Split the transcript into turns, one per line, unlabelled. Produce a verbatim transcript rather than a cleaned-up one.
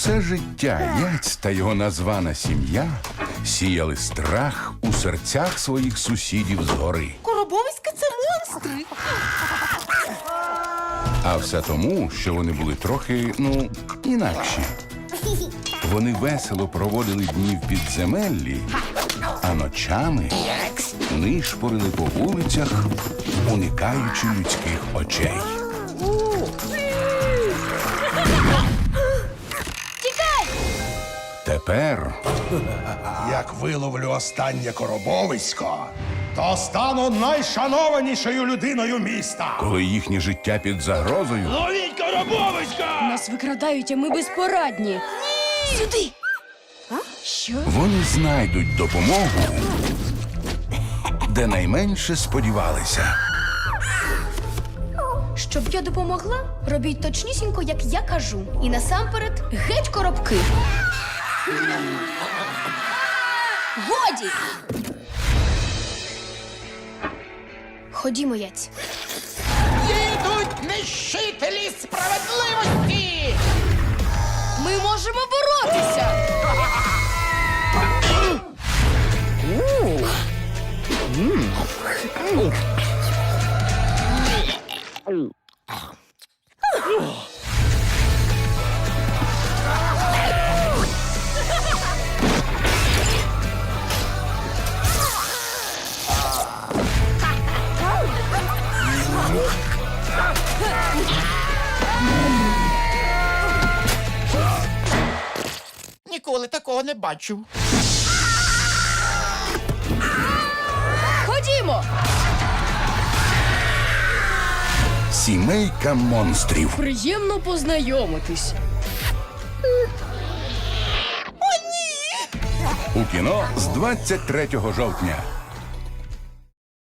Все життя Яць та його названа сім'я сіяли страх у серцях своїх сусідів згори.
Коробовиська – це монстри.
А все тому, що вони були трохи, ну, інакші. Вони весело проводили дні в підземеллі, а ночами нишпорили по вулицях, уникаючи людських очей.
Тікай!
Тепер
Як виловлю останнє коробовисько, то стану найшанованішою людиною міста.
коли їхнє життя під загрозою,
Ловіть коробовиська!
Нас викрадають, а ми безпорадні. Сюди! Що?
вони знайдуть допомогу, де найменше сподівалися.
Щоб я допомогла, робіть точнісінько, як я кажу. І насамперед геть коробки. Годі! Ходімо, Яць.
Їдуть нищителі справедливості.
Ми можемо боротися!
Ніколи такого не бачив.
Ходімо!
Сімейка монстрів.
Приємно познайомитись.
У кіно з двадцять третього жовтня.